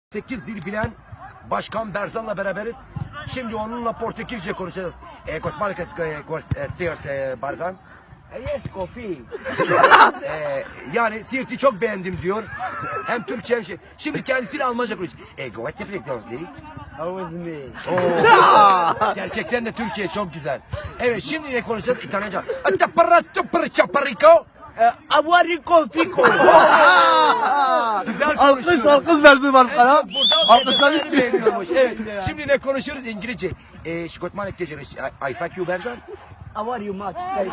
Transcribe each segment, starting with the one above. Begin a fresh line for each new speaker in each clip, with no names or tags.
8 dil bilen Başkan Berzan'la beraberiz. Şimdi onunla Portekizce konuşacağız. Guten Siirt Berzan.
Yes, coffee.
Yani Siirt'i çok beğendim diyor. Hem Türkçe hem şey. Şimdi kendisiyle Almanca konuşuyor.
Always me.
Gerçekten de Türkiye çok güzel. Evet, şimdi ne konuşacağız? İtalyanca. Chaparrico.
Aguarico fico.
Güzel
Alkış
konuşuyor.
alkış versin başkana.
Burada
Alkışlar
beğeniyormuş. Evet. Şimdi ne konuşuyoruz? İngilizce. Şikotman ekeceğiz. I fuck you Berzan.
How are you much?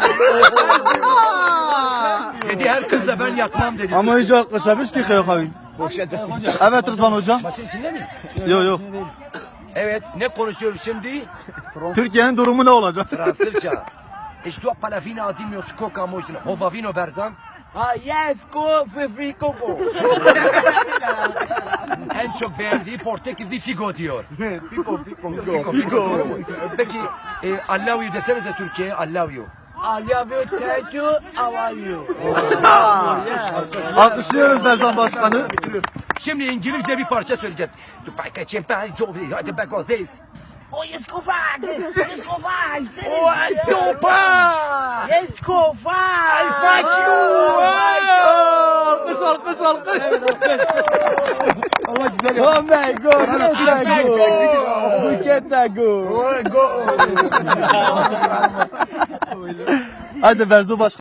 Dedi her kızla ben yatmam dedi.
Ama hiç alkışlamış ki Kıyok abi. Evet Rıdvan hocam.
Maçın içinde miyiz?
Yok.
Evet, ne konuşuyoruz şimdi?
Türkiye'nin durumu ne olacak?
Fransızca. Ich dois pas la fine adimio skoka mojno. Hovavino Berzan.
Yes, coffee free coco.
En çok beğendiği Portekizli Figo diyor.
Fico.
Figo. Peki, I love you desenize Türkiye'ye, I love you.
I love you, thank you. How are you?
Alkışlıyoruz Berzan Başkanı.
Şimdi İngilizce bir parça söyleyeceğiz. Hadi back on this.
Oh, yes, coffee. Yes, coffee.
Oh, sopa!
Yes, coffee.
I fuck you!
Alkış.
Oh my God! Get that go!
Hadi Berzan Başkan.